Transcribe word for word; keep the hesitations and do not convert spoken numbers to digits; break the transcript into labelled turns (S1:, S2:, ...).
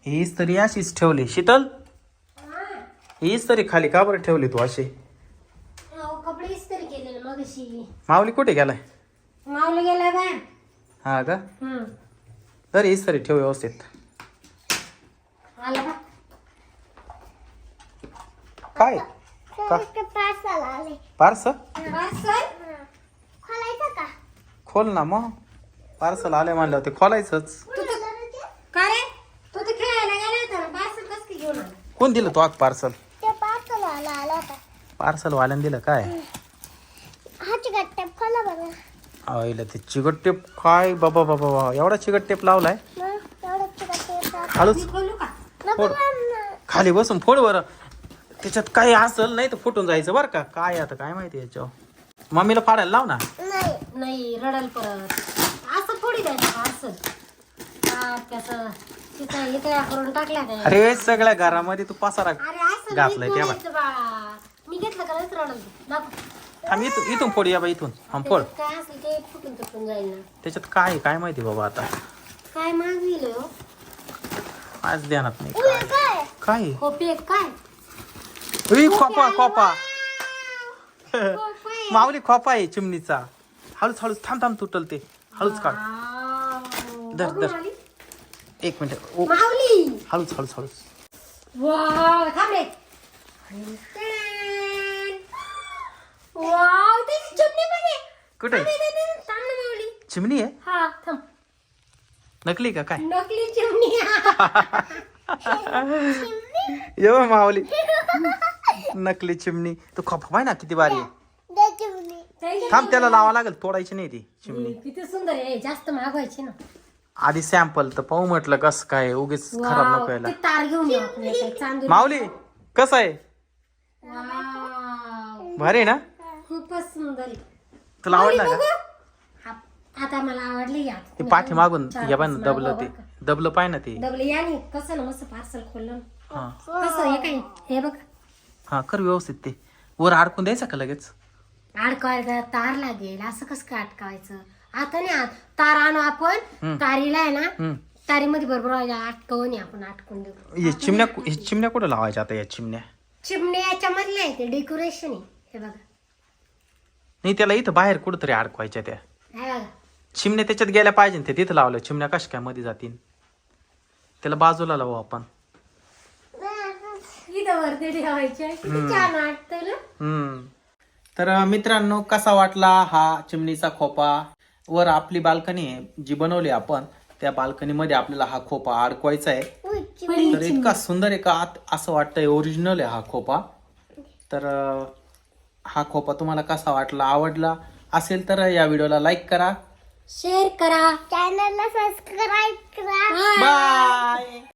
S1: हीच तरी अशीच ठेवली शीतल. हीच तरी खाली का बरं ठेवली तू अशी?
S2: कपडे इस्त्री केलेले मगाशी.
S1: माऊली कुठे गेलाय?
S2: माऊली गेलाय बाहेर.
S1: हा का?
S2: हम्म.
S1: तर हीच तरी ठेव व्यवस्थित.
S2: आला का?
S1: काय
S2: पार्सल आले.
S1: पार्सल?
S2: पार्सल खोलायचं का?
S1: खोल ना मग. पार्सल आले म्हणलं ते खोलायचंच.
S2: का रे तू तर खेळायला गेला होता ना. पार्सल कसं काय घेऊन आला?
S1: कोण दिलं तो पार्सल?
S2: ते पार्सल आला आला होता.
S1: पार्सल वाल्यानं दिलं काय?
S2: हा चिकट टेप खोला बरं.
S1: आईला ते चिकट टेप काय बाबा बाबा बाबा एवढा चिकट टेप लावलाय.
S2: एवढा चिकट टेप
S1: हळूच
S2: खोलू का?
S1: फोड. खाली बसून फोड बरं. त्याच्यात काही असेल नाही तर फुटून जायचं बरं का. काय आता काय माहिती याच्यावर. मम्मीला फाडायला लाव ना.
S2: नाही नाही रडल परत. असं थोडी द्यायचं पार्सल. त्याचं तिथं हे तयार करून टाकल्या काय.
S1: अरे सगळ्या घरामध्ये तू पसारा
S2: अरे असं
S1: घातलाय त्या
S2: नाही बाळा. मी घेतलं का लयच रडल तू. दाखव.
S1: थांब इथून इथून फोड या बा इथून. हा फोड.
S2: काय असेल ते फुटून तुटून जाईल ना.
S1: त्याच्यात काय आहे, काय माहिती बाबा आता.
S2: काय मागविलं हो?
S1: आज ध्यानात नाही काय.
S2: काय
S1: काय आहे?
S2: खोपे काय?
S1: उई, खोपा खोपा
S2: खोपे.
S1: माऊली खोपा आहे चिमणीचा. हळूच हळूच थांब थांब तुटल ते. हळूच काढ. धर
S2: बघू
S1: धर
S2: माऊली.
S1: एक मिनिट. ओ,
S2: माऊली
S1: हळूच हळूच हळूच.
S2: वाव थांब रे. वाव त्याची चिमणी बघ.
S1: कुठे
S2: थांब ना माऊली.
S1: चिमणी आहे?
S2: हा थांब.
S1: नकली का काय?
S2: नकली चिमणी.
S1: यो माऊली नकली चिमणी. तू खोपा पाय ना किती भारी आहे. थांब त्याला लावा लागेल. तोडायची नाही ती चिमणी.
S2: किती सुंदर आहे. जास्त मागवायची ना.
S1: आधी सॅम्पल तर पाहू म्हटलं कसं काय उगीच खराब नको
S2: वाव,
S1: यायला.
S2: ते तार घेऊन येऊ आपण याच्यात, चांदूर.
S1: माऊली कसं आहे?
S2: वाव,
S1: भारी आहे ना?
S2: खूपच सुंदर आहे.
S1: तुला आवडला
S2: माऊली
S1: का?
S2: बघू. हा, आता मला आवडली या.
S1: ते पाठी मागून
S2: चार
S1: या
S2: पाच
S1: पण दबलं
S2: मागवा
S1: ते
S2: बरं का.
S1: दबलं पाय ना ते.
S2: डबल याने कसं ना मस्त पार्सल खोललं ना.
S1: हा
S2: कसं हे काय हे बघ.
S1: हा कर व्यवस्थित ते. वर अडकून द्यायचं का लगेच?
S2: अडकवायला तार लागेल. असं कसं काय अटकावायचं? आता नाही आत तार आणू आपण. तारीला आहे ना
S1: हम्म.
S2: तारीमध्ये बरोबर अटकवून ये आपण अटकून देऊ.
S1: हे चिमण्या हे चिमण्या कुठं लावायच्या आता या चिमण्या?
S2: चिमणे याच्यामधले आहे ते डेकोरेशन आहे. हे बघा
S1: नाही त्याला इथं बाहेर कुठंतरी अडकवायच्या त्या
S2: हे बघा.
S1: चिमण्या त्याच्यात गेल्या पाहिजे ते तिथं लावलं. चिमण्या कशा काय मध्ये जातील? त्याला बाजूला लावू आपण.
S2: इथं वरती ठेवायचे. किती छान वाटतं ना.
S1: हम्म. तर मित्रांनो कसा वाटला हा चिमणीचा खोपा? वर आपली बाल्कनी आहे जी बनवली आपण. त्या बाल्कनी मध्ये आपल्याला हा खोपा अडकवायचा आहे. तर इतका सुंदर आहे का आत असं वाटतंय ओरिजिनल आहे हा खोपा. तर हा खोपा तुम्हाला कसा वाटला? आवडला असेल तर या व्हिडिओला लाईक करा,
S2: शेअर करा, चॅनलला सबस्क्राईब करा.
S1: बाय.